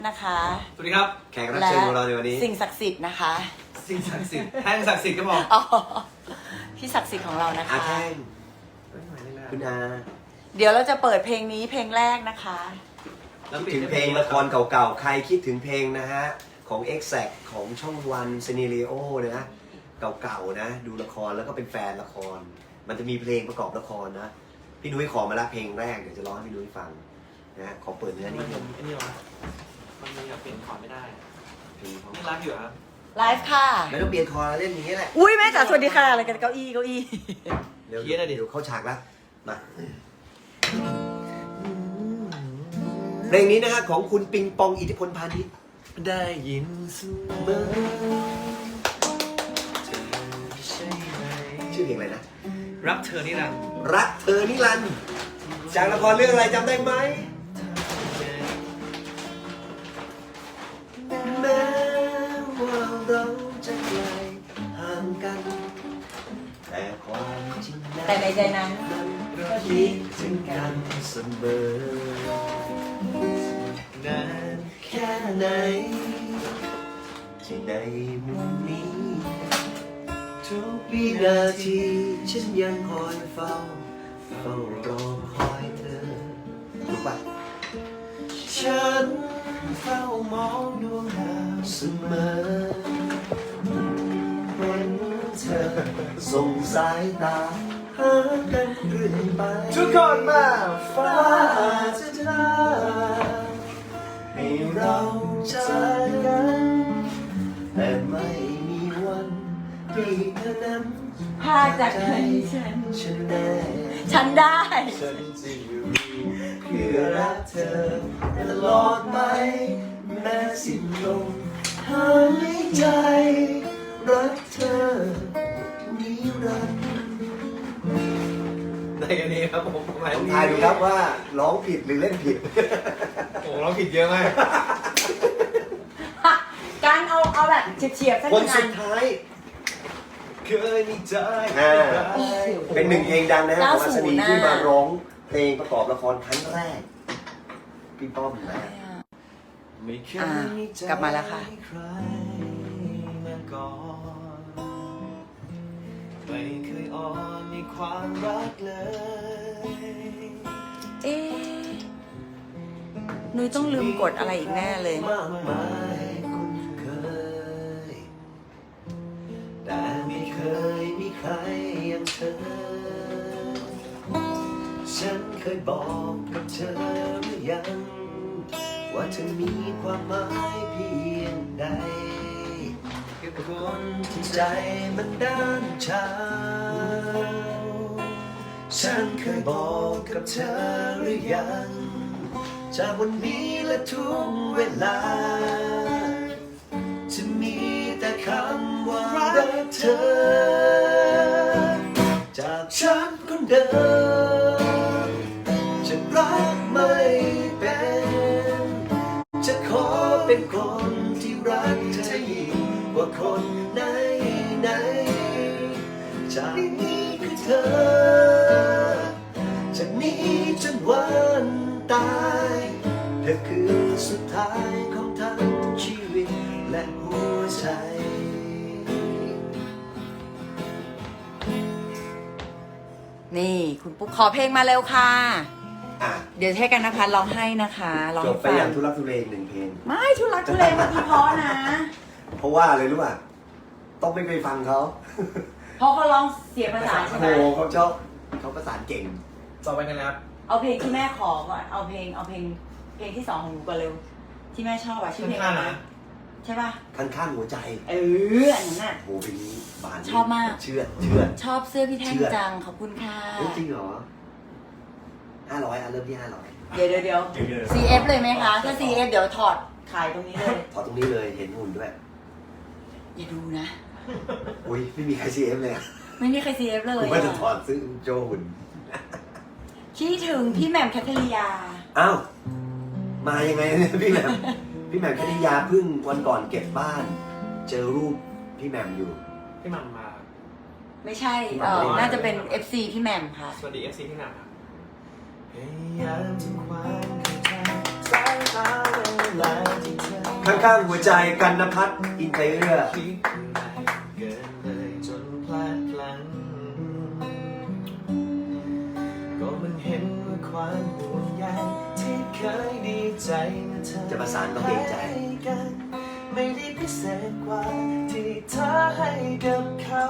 นะคะสวัสดีครับแขกรับเชิญของเราในวันนี้สิ่งศักดิ์สิทธิ์นะคะสิ่งศักดิ์สิทธิ์แท่งศักดิ์สิทธิ์ก็บอกอ๋อพี่ศักดิ์สิทธิ์ของเรานะคะแท่งคุณอาเดี๋ยวเราจะเปิดเพลงนี้เพลงแรกนะคะคิดถึงเพลงละครเก่าๆใครคิดถึงเพลงนะฮะของ Exact ของช่องวันซีนีรีโอนะเก่าๆนะดูละครแล้วก็เป็นแฟนละคร มันจะมีเพลงประกอบละครนะพี่นุ้ยขอมาละเพลงแรกเดี๋ยวจะร้องให้พี่นุ้ยฟังนะขอเปิดเนื้อนิดนึงไอ้นี่วะมันอยากเปลี่ยนคอร์ดไม่ได้เพลงของนี่รักอยู่ครับไลฟ์ค่ะไม่ต้องเปลี่ยนคอร์ดเล่นอย่างนี้แหละอุ้ยแม่จ๋าสวัสดีค่ะอะไรกันเก้าอี้เดี๋ยวเข้าฉากแล้วมาเพลงนี้นะฮะของคุณปิงปองอิทธิพลพาณิชย์ได้ยินเสมอเธอใช่ไหมชื่อเพลงอะไรนะรักเธอนี่รักรักเธอนิรันดร์จากละครเรื่องอะไรจำได้ไหมแม้ว่าเราจะไกลห่างกัน แต่ความจริงแต่ในใจนั้นก็คิดถึงกันเสมอนานแค่ไหนที่ในมุมนี้ ทุกวินาทีฉันยังคอยเฝ้ารอคอยเธอรู้ปะฉันเฝ้ามองดวงดาวเสมอเห็นเธอส่งสายตาหากันเรื่อยไปทุกคนมาฟ้าจะได้ให้เราเจอกันแต่ไม่มีวันที่เธอนั้นพาจากใจฉันฉันได้ฉันได้ฉันจะอยู่เพื่อรักเธอตลอดไปแม้สิ้นลมหายใจรักเธอนิรันดร์ได้กันนี้ครับผมลองทายดูครับว่าร้องผิดหรือเล่นผิดโอ้เราผิดเยอะมากการเอาแบบเฉียบๆสักคนหน่อสุยดท้ายเคยมีใจเป็นหนึ่งเพลงดังนะของอัศนีที่มาร้องเพลงประกอบละครครั้งแรกพี่ป้อมนะไม่เคยอ่ะมีใจกลับมาแล้วค่ะใครมาก่อนไม่เคยอ่อนในความรักเลยเอ๊ะนุ้ยต้องลืมกดอะไรอีกแน่เลยมากมายคุ้นเคย แต่ไม่เคยมีใครอย่างเธอ ฉันเคยบอกกับเธอหรือยัง ว่าเธอมีความหมายเพียงใดกับคนที่ใจมันด้านชาฉันเคยบอกกับเธอหรือยังจากวันนี้และทุกเวลา จะมีแต่คำว่ารักเธอ จากฉันคนเดิมจะรักไม่เป็น จะขอเป็นคนที่รักเธอยิ่งกว่าคนไหนไหนจากนี้คือเธอ จากนี้จนวันตาย เธอคือสุดท้ายของทั้งชีวิตและหัวใจนี่คุณปุ๊กขอเพลงมาเร็วค่ะอ่ะเดี๋ยวให้กันนภัสร้องให้นะคะร้องจให้บไปฟัอย่างทุลักทุเลอีกหนึ่งเพลงไม่ทุลักทุเลเมื่อกี้เพราะนะเพราะว่าอะไรรู้ป่ะ ต้องไม่ไปฟังเขาเพราะเขาร้องเสียงภาษานใช่ไหมโอ้เขาชอบเขาประสานเก่งต่อไปกันนะครับเอาเพลงที่แม่ขอก่อนเอาเพลงที่สองของหนูก่อนเร็ว ที่แม่ชอบอะชื่อเพลงอะไรนะใช่ป่ะข้างหัวใจอันนั้นน่ะโหเพลงนี้บานชอบมากเชื่อชอบเสื้อพี่แท่งจังขอบคุณค่ะเฮ้ยจริงเหรอ500อ่ะเริ่มที่500 เดี๋ยว CF เลยไหมคะ ถ้า CF เดี๋ยวถอดขายตรงนี้เลยถอดตรงนี้เลยเห็นหุ่นด้วยอย่าดูนะอุ้ยไม่มีใคร CF เลยอะไม่มีใคร CF เลยผมว่าจะถอดซื้อโจหุ่นคิดถึงพี่แหม่มแคทเธอรียาอ้าวมายังไงเนี่ยพี่แหม่มพี่แหม่มคณิยาเพิ่งวันก่อนเก็บบ้าน เจอรูปพี่แหม่มอยู่พี่หม่ำมาไม่ใช่น่าจะเป็น FC พี่แหม่มค่ะสวัสดี FC พี่หม่ำครับพยายามทำความเข้าใจหาเวลาที่เธอข้างๆหัวใจกันนภัทรอินเตอร์คิดอะไรเกินเลยจนพลาดพลั้งก็มันเห็นว่าความห่วงใยที่เคยดีใจเมื่อเธอจะประสานต้องเกรงใจให้กันไม่ได้พิเศษกว่าที่เธอให้กับเขา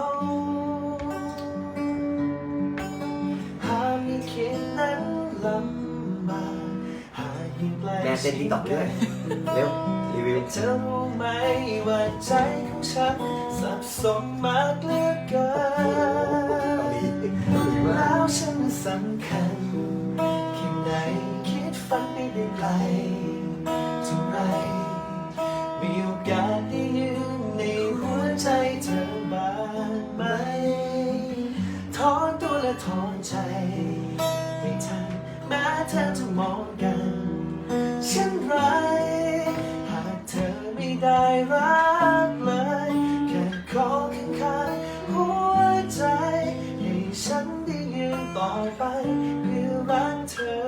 หากไม่คิดนั้นลำบากหากยิ่งไกลแม่เต้นติ๊กต็อกด้วย เร็ว รีวิวเธอรู้ไหมว่าใจของฉันสับสนมากเหลือเกินแล้วฉันสำคัญแค่ไหนคิดฝันไม่ได้ไกลเท่าไรมีโอกาสได้ยืนในหัวใจเธอบ้างไหมถอนตัวและถอนใจไม่ทันแม้เธอจะมองกันเช่นไรหากเธอไม่ได้รักเลยแค่ขอข้างๆหัวใจให้ฉันได้ยืนต่อไปเพื่อรักเธอ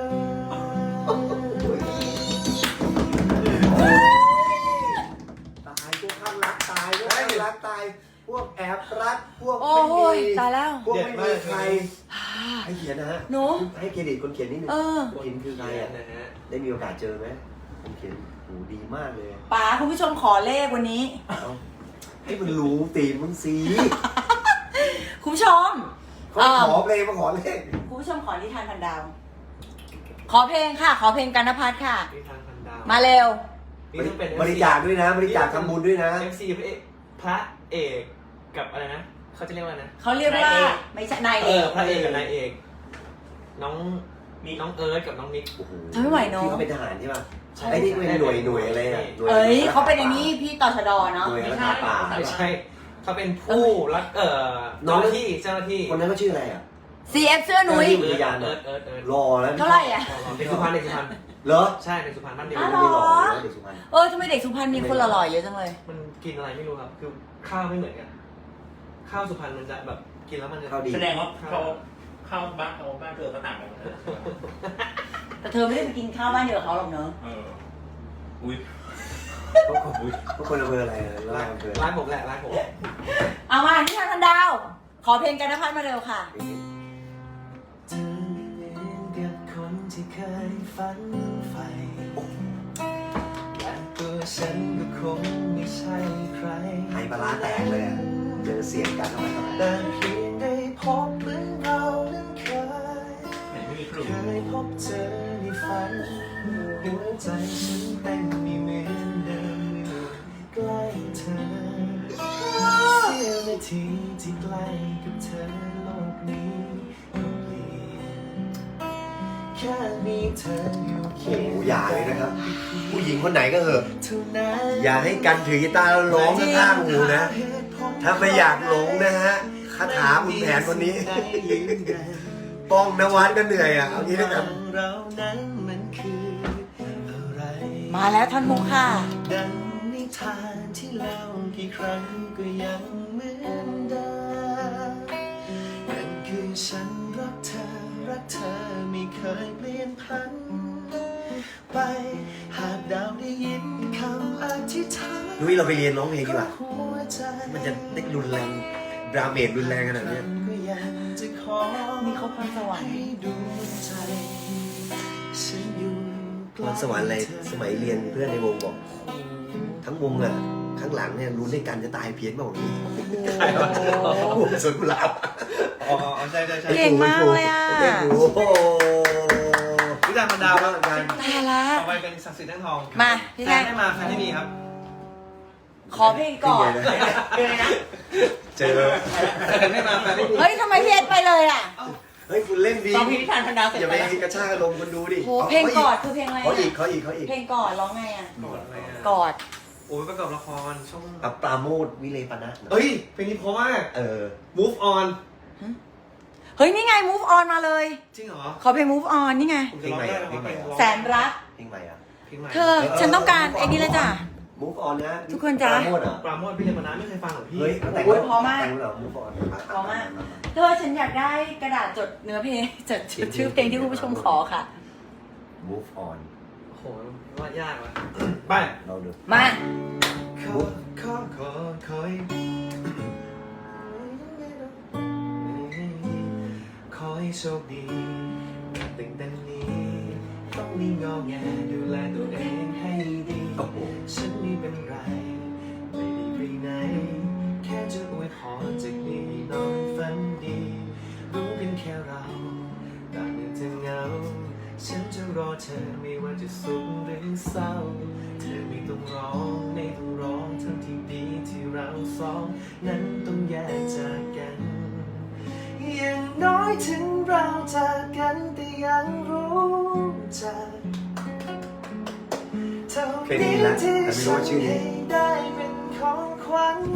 ตายพวกข้างรักตายพวกข้างรักตาย พวกแอบรัก พวกโอ้ไม่ยมีตายแล้วพวกไม่มีใคร ให้เขียนนะฮะหนูให้เครดิตคนเขียนนิดนึงเออคนเขียนคือใครอ่ะนะฮะได้มีโอกาสเจอไหมคนเขียนโหดีมากเลยป๋าคุณผู้ชมขอเลขวันนี้เอาให้มันรู้ตีมมึงสิคุณผู้ชมเขาขอเพลงมาขอเลขคุณผู้ชมขอนิทานพันดาว ขอเพลงค่ะ ขอเพลงกันนภัทรค่ะมีทางพันดาวมาเร็วนี่ต้องเป็นบริจาคด้วยนะ บริจาคทำบุญด้วยนะ MC พระเอกกับอะไรนะเขาจะเรียกว่าอะไรนะเขาเรียกว่าไม่ใช่นายเอกพระเอกกับนายเอก น้องเอิร์ธกับน้องนิกโอ้โหทำไม่ไหวเนอะที่เขาเป็นทหารใช่ป่ะใช่ไอ้นี่เป็นหน่วยอะไรอ่ะหน่วยเอ้ยเขาเป็นไอ้นี่พี่ตชดเนาะหน่วยรักษาป่าไม่ใช่เขาเป็นผู้รักเจ้าหน้าที่คนนั้นก็ชื่ออะไรอ่ะ CF เสื้อหนุ่ยเอิร์ธเอิร์ธรอแล้วเท่าไหร่อ่ะเด็กสุพรรณเหรอใช่เด็กสุพรรณบ้านเดียวอ๋อไม่หล่อเลยเด็กสุพรรณทำไมเด็กสุพรรณมีคนหล่อๆเยอะจังเลยมันกินอะไรไม่รู้ครับ คือข้าวไม่เหมือนกัน ข้าวสุพรรณมันจะแบบกินแล้วมันจะข้าวดีแสดงว่าเขาเข้าบ้านเธอก็ต่างกันแต่เธอไม่ได้ไปกินข้าวบ้านเดียวกับเขาหรอกเนอะอุ้ยพวกคนอำเภออะไรร้านอำเภอร้านผมแหละร้านผมเอามานิทานพันดาว ขอเพลงกันนภัทรมาเร็วค่ะเธอเหมือนกับคนที่เคยฝันใฝ่และตัวฉันก็คงไม่ใช่ใครไฮปลาร้าแตกเลยอะเจอเสียงกันเข้าไปทำไมแต่เพียงได้พบเหมือนเรานั้นเคยไม่มีครูเคยพบเจอในฝันหัวใจฉันเต้นไม่เหมือนเดิมเมื่อใกล้เธอเสี้ยวนาทีที่ใกล้กับเธอโลกนี้ก็เปลี่ยนแค่มีเธออยู่โอ้โหอย่าเลยนะครับ ผู้หญิงคนไหนก็เหอะเท่านั้นอย่าให้กันถือกีตาร์แล้วร้องข้างๆหูนะ ถ้าไม่อยากหลงนะฮะคาถาคุณแผนคนนี้ ป้องนวัดก็เหนื่อยอ่ะ เอางี้แล้วกันเรานั้นมันคืออะไรมาแล้วท่อนมุกค่ะดังนิทานที่เล่ากี่ครั้งก็ยังเหมือนเดิมนั่นคือฉันรักเธอไม่เคยเปลี่ยนพันไปหากดาวได้ยินคำอธิษฐานนุ้ยเราไปเรียนร้องเพลงดีกว่าหัวใจมันจะได้รุนแรงดราเมจรุนแรงขนาดเนี้ยก็ยังจะขอมีเขาพรสวรรค์ให้ดวงใจฉันอยู่ใกพล้รสวรรค์อะไรสมัยเรียนเพื่อนในวงบอก ทั้งวงอ่ะ ข้างหลังเนี่ยรุนด้วยกันจะตายเพี้ยนเปล่านี้วงสวนกุหลาบอ๋อใช่เก่งมากเลยอ่ะโอ้โหวิจารณ์พันดาวครับกันตายละต่อไปเป็นศักดิ์สิทธิ์แท่งทองมาพี่แฟแท่นงไม่มาแฟนไม่มีครับขอเพลงก่อนเจอแฟนไม่มาแฟนไม่มีเฮ้ยทำไมพี่เอ็ดไปเลยอ่ะเฮ้ยคุณเล่นดีตอนพี่นิทานพันดาวเสร็จอย่าไปไปกระชากอารมณ์คนดูดิโหเพลงกอดคือเพลงอะไรเขาอีกอ่ะเขาอีกเพลงกอดร้องไงอ่ะกอดอะไรอ่ะกอดโอ้ยประกอบละครช่องกับปราโมทวิเลปนะเอ้ยเพลงนี้เพราะมากเออ Move on เฮ้ยนี่ไง move on มาเลยจริงเหรอขอเพลง move on นี่ไงผมจะร้องได้ร้องไปร้องแสนรักเพลงใหม่อ่ะเพลงใหม่เธอฉันต้องการไอ้นี่เลยจ้ะ Move on นะทุกคนจ๊ะปราโมทเหรอปราโมทพี่เลมานานไม่เคยฟังเหรอพี่เฮ้ยแต่งโอ้ยเพราะมากแต่งเหรอ Move on เพราะมาก เธอฉันอยากได้กระดาษจดเนื้อเพลงจดชื่อเพลงที่คุณผู้ชมขอค่ะ Move on โอ้โหว่ายากว่ะไปเราดูมาขอให้โชคดีกับตั้งแต่นี้ต้องมีงอแงดูแลตัวเองให้ดีโอ้โหฉันไม่เป็นไรไม่ได้ไปไหนแค่จะอวยพรจากนี้นอนฝันดีรู้กันแค่เราต่างกันจะเหงาฉันจะรอเธอไม่ว่าจะสุขหรือเศร้าเธอไม่ต้องร้องไม่ต้องร้องทั้งที่ดีที่เราสองนั้นต้องแยกจากกันอย่างน้อยถึงเราจากกันแต่ยังรู้จักเท่านี้ที่ฉันให้ได้เป็นของขวัญ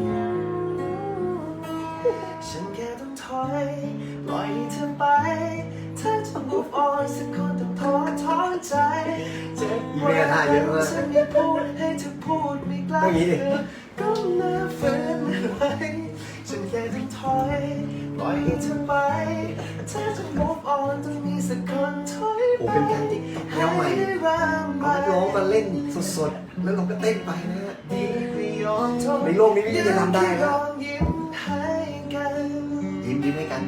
ฉันแค่ต้องถอยปล่อยให้เธอไปถ้าจะ move on สักคนต้องท้อใจเจ็บปวดฉันไม่พูดให้เธอพูดไม่กล้าเธอก็น่าฝืนไว้ฉันแค่ต้องถอยปล่อยให้เธอไปถ้าจะ move on ต้องมีสักคนถอยโอ้ไปเป็นการที่แนวใหม่เอานักร้องมาเล่นสดๆแล้วเราก็เต้นไปนะฮะในโลกนี้ไม่มีใครทำได้นะยิ้มให้กัน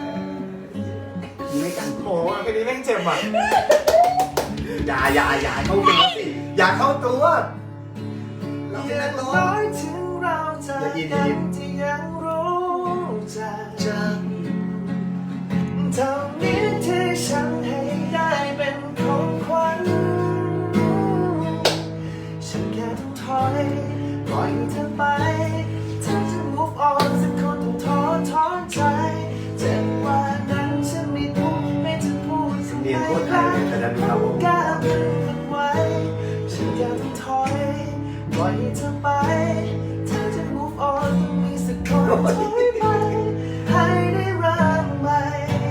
ยิ้มให้กันโอ้โหอันนี้แม่งเจ็บอ่ะอย่าเข้าตัวสิอย่าเข้าตัวเราเป็นนักร้องถึงเราจะกันที่ยังรู้จักเท่านี้ที่ฉันให้ได้เป็นของขวัญฉันแค่ต้องถอยปล่อยเธอไปถ้าจะ move on สักคนต้องท้อใจเจ็บว่านั้นฉันไม่พูดไม่จะพูดสิ่งเนียนใดโคตรไทยเลยแต่ดันมีเรากล้าดึงมันไว้ฉันแค่ต้องถอยปล่อยเธอไปถ้าจะ move on ต้องมีสักคนถอยไปให้ได้เริ่มใหม่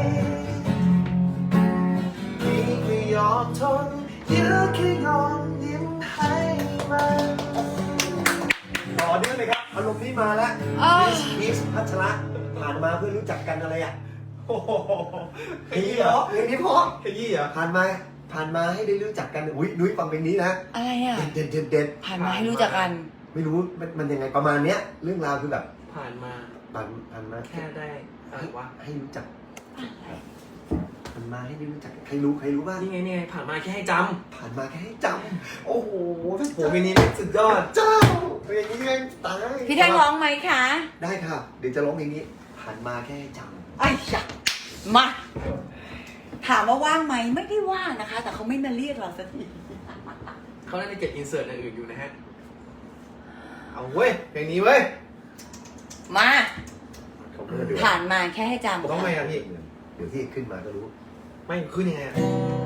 พี่ไม่ยอมทนยื้อแค่ยอมยิ้มให้มันต่อเนื่องเลยครับอารมณ์นี้มาแล้วมิสพัชระผ่านมาเพื่อรู้จักกันอะไรอ่ะโอ้โหเพลงนี้เหรอเพลงนี้เพราะขยี้เหรอผ่านมาให้ได้รู้จักกันอุ้ยนุ้ยฟังเพลงนี้นะอะไรอ่ะเด็ดผ่านมาให้รู้จักกันไม่รู้มันยังไงประมาณเนี้ยเรื่องราวคือแบบผ่านมาผ่านมาแค่ได้อะไรวะให้รู้จักผ่านมาให้ได้รู้จักใครรู้บ้างนี่ไงผ่านมาแค่ให้จผ่านมาแค่ให้จำโอ้โหำโหมินิเล็กสุดยอดเจ้าเพลงนี้แม่งตายพี่แท่งร้องไหมคะได้ค่ะเดี๋ยวจะร้องเพลงนี้ ผ่านมาแค่ให้จำไอ้ยะมา ถามว่าว่างไหมไม่ได้ว่างนะคะ แต่เขาไม่มาเรียกเราสักทีเขาน่าจะเก็บอินเสิร์ตอย่างอื่นอยู่นะฮะ เอาเว้ยเพลงนี้เว้ยมาเขาเพื่อเดือดผ่านมาแค่ให้จำต้องไงอ่ะพี่เดี๋ยวที่ขึ้นมาก็รู้ไม่ขึ้นยังไงอ่ะ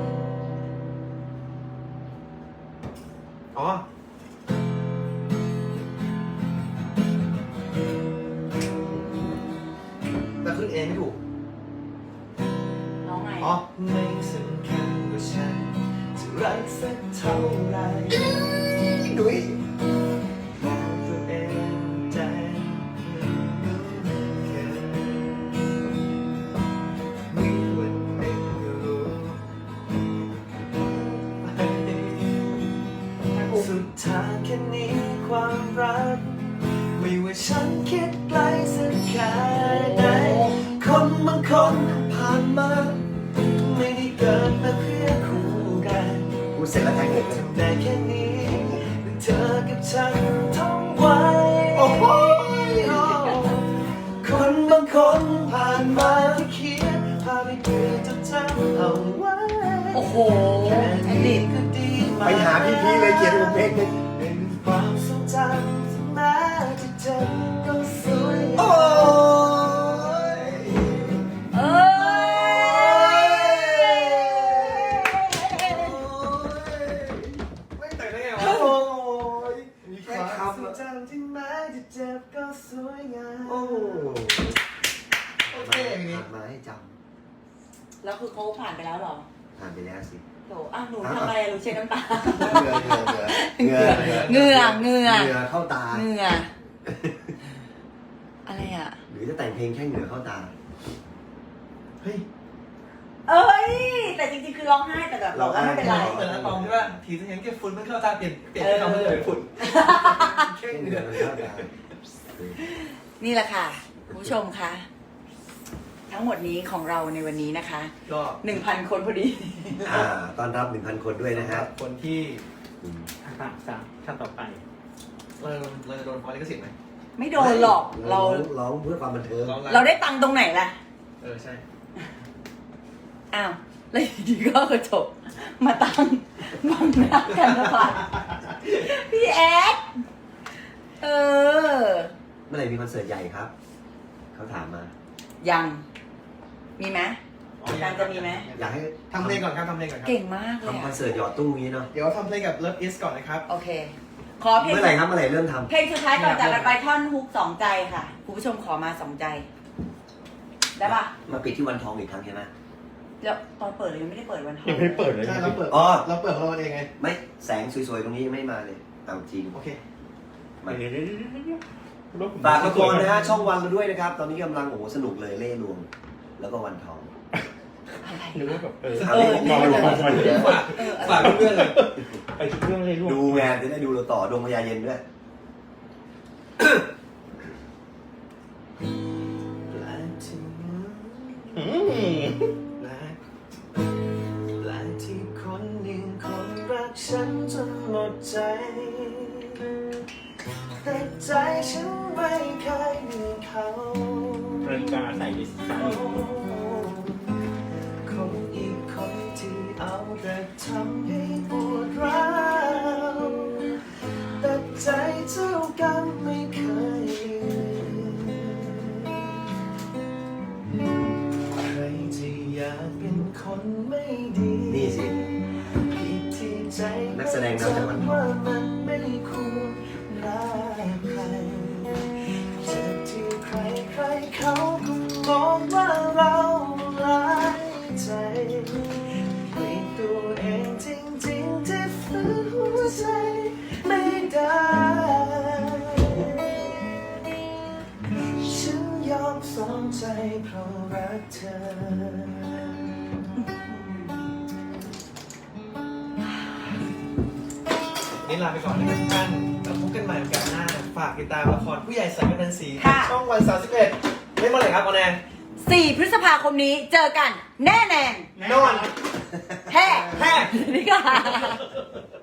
อ๋อ แต่ขึ้นเองไม่ถูกน้องไงอ๋อไม่สำคัญว่าฉันจะรักสักเท่าไหรนุ้ยบอกตัวเองใจแค่มีวันหนึ่งก็รู้สุดท้ายแค่นี้ความรักไม่ว่าฉันคิดไกลสักแค่ไหนคนบางคนผ่านมาไม่ได้เกิดมาเพื่อคู่กันพูดเสร็จแล้วแทงเลยทำได้แค่นี้เธอกับฉันท่องไว้โอ้โหคนบางคนผ่านมาที่เขียนพาไปเพื่อจดจำเอาไว้โอ้โหแค่แอนนี้ดิก็ดีมากไปหาพี่เลยเขียนผมเพลงนึงเป็นความทรงจำที่แม้จะเจ็บก็สวยโอ้ยเอ้ยไม่แต่งได้ไงวะโอ้ยมีแค่แค่ความคำทรงอะจำที่แม้จะเจ็บก็สวยงามโอ้โอเคอย่างนี้ผ่านมาให้จแล้วคือเขาผ่านไปแล้วเหรอำผ่านไปแล้วสิโถอ้าวหนูทำอะไรหนูเช็ดน้ำตาเหงื่อเหงื่อเข้าตาเหงื่ออะไรอ่ะหรือจะแต่งเพลงแค่เหงื่อเข้าตาเฮ้ยเอ้ยแต่จริงๆคือร้องไห้แต่แบบบอกว่าไม่เป็นไรเหมือนอะตอมใช่ป่ะทีจะเห็นแค่ฝุ่นมันเข้าตาเปลี่ยนคำให้เลยฝุ่นแค่เดืเดืออน นมันเข้าตานี่แหละค่ะคุณผู้ชมคะทั้งหมดนี้ของเราในวันนี้นะคะก็ 1,000 คนพอดีต้อนรับ 1,000 คนด้วยนะฮะคนที่ถ้าต่อไปเราจะโดนฟ้องลิขสิทธิ์ไหมไม่โดนหรอกเราร้องเพื่อความบันเทิงเราได้ตังค์ตรงไหนล่ะใช่อ้าวแล้วอยู่ดีก็กระจบมาตั้งบังหน้ากันนะพัดพี่แอ๊ดเออเมื่อไหร่มีคอนเสิร์ตใหญ่ครับ เขาถามมายังมีไหมการจะมีไหมอยากให้ทำเพลงก่อนครับทำเพลงก่อนครับเก่งมากเลยทำคอนอะเสิร์ตหยอดตู้งี้เนาะเดี๋ยวทำเพลงกับ Love Is ก่อนนะครับโอเค ขอเพลงเมื่อไหร่ครับเมื่อไหร่เริ่มทำเพลงสุดท้ายก่อนจากกันไปท่อนฮุก2 ใจค่ะคุณผู้ชมขอมา2 ใจ ได้ปะมาปิดที่วันทองอีกครั้งใช่ไหมแล้วตอนเปิดเรายังไม่ได้เปิดวันทองยังไม่ได้เปิดเลยใช่เราเปิดอ๋อเราเปิดของเราเองไงไม่แสงสวยๆตรงนี้ยังไม่มาเลยเอาจริงโอเคมาเดี๋ยวฝากละครนะฮะช่องวันเราด้วยนะครับ ตอนนี้กำลังโอ้โหสนุกเลยเล่ห์ลวง แล้วก็วันทองอะไรนึกว่าแบบมองลงมาทำไมเยอะฝากเพื่อนๆเลยไปทุกเรื่องเลยลูกดูไงจะได้ดูเราต่อดวงพญาเย็นด้วยและที่อืมและที่คนหนึ่งคนรักฉันจนหมดใจ แต่ใจฉันไม่เคยมีเขานาฬิกาใส่ดิสไซน์คนอีกคนที่เอาแต่ทำให้ปวดร้าวแต่ใจเจ้ากรรมไม่เคยใครที่อยากเป็นคนไม่ดีนี่สิผิดที่ใจนักแสดงนำจากวันทองว่ามันไม่ควรรักใครเจ็บที่ใครใครเขาก็มองว่าเราร้ายใจเปลี่ยนตัวเองจริงๆที่ฝืนหัวใจไม่ได้ ฉันยอมสองใจเพราะรักเธอ นี่ลาไปก่อนนะครับทุกท่านแล้วพบกันใหม่โอกาสหน้า ฝากติดตามละครผู้ใหญ่สายกำนันสีค่ะช่องวัน31เล่นเมื่อไหร่ครับออนแอร์ 4 พฤษภาคมนี้เจอกันแน่แน่นอนแฮ่แฮ่นี่ค่ะ